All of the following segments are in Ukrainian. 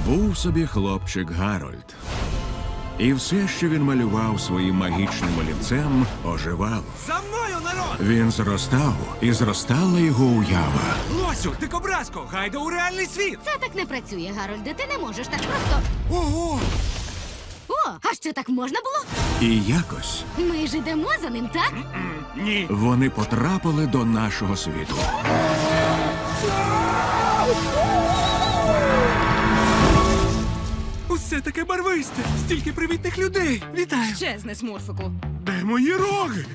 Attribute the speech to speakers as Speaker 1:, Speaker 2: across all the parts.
Speaker 1: Був собі хлопчик Гарольд. І все, що він малював своїм магічним олівцем, оживало.
Speaker 2: За мною, народ!
Speaker 1: Він зростав, і зростала його уява.
Speaker 2: Лосю, дикобразко, гайда у реальний світ!
Speaker 3: Це так не працює, Гарольде. Ти не можеш так просто.
Speaker 2: Ого!
Speaker 3: О, а що так можна було?
Speaker 1: І якось
Speaker 3: Ми ж ідемо за ним, так?
Speaker 2: Ні!
Speaker 1: вони потрапили до нашого світу.
Speaker 2: Усе таке барвисте! Стільки привітних людей! Вітаю!
Speaker 4: Чесне, смурфику.
Speaker 2: Де мої роги?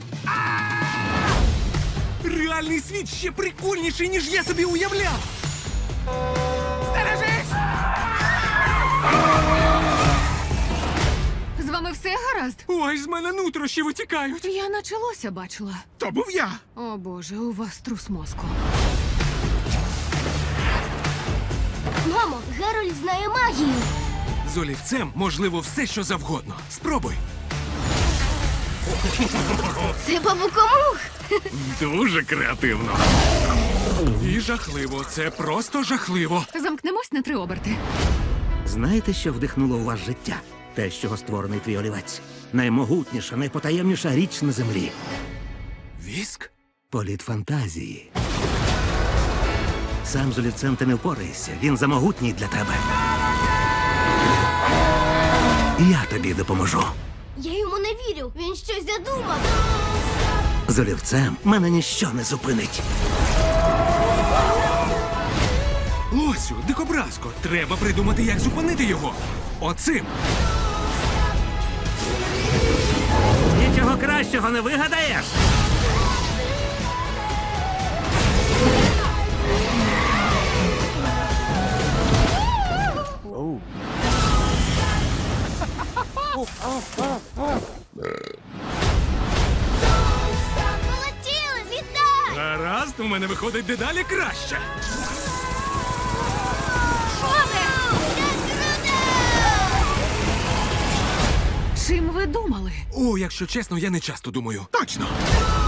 Speaker 2: Реальний світ ще прикольніший, ніж я собі уявляв! Стережись!
Speaker 4: З вами все гаразд?
Speaker 2: Ой, з мене нутрощі витікають!
Speaker 4: Я наче лося бачила.
Speaker 2: То був я!
Speaker 4: О боже, у вас трус мозку.
Speaker 3: Мамо, Гарольд знає магію.
Speaker 2: З олівцем можливо все, що завгодно. Спробуй!
Speaker 3: Це бабукомух.
Speaker 2: Дуже креативно. І жахливо. Це просто жахливо.
Speaker 4: Замкнемось на 3 оберти.
Speaker 5: Знаєте, що вдихнуло у вас життя? Те, з чого створений твій олівець. Наймогутніша, найпотаємніша річ на землі.
Speaker 2: Віск?
Speaker 5: Політ фантазії. Сам з олівцем ти не впораєшся. Він замогутній для тебе. Я тобі допоможу.
Speaker 3: Я йому не вірю. Він щось задумав.
Speaker 5: З олівцем мене ніщо не зупинить.
Speaker 2: Лосю, дикобразко, треба придумати, як зупинити його. Оцим.
Speaker 5: Нічого кращого не вигадаєш.
Speaker 3: Полетіли, злітай!
Speaker 2: Гаразд, у мене виходить дедалі краще.
Speaker 4: Чим ви думали?
Speaker 2: О, якщо чесно, я не часто думаю. Точно!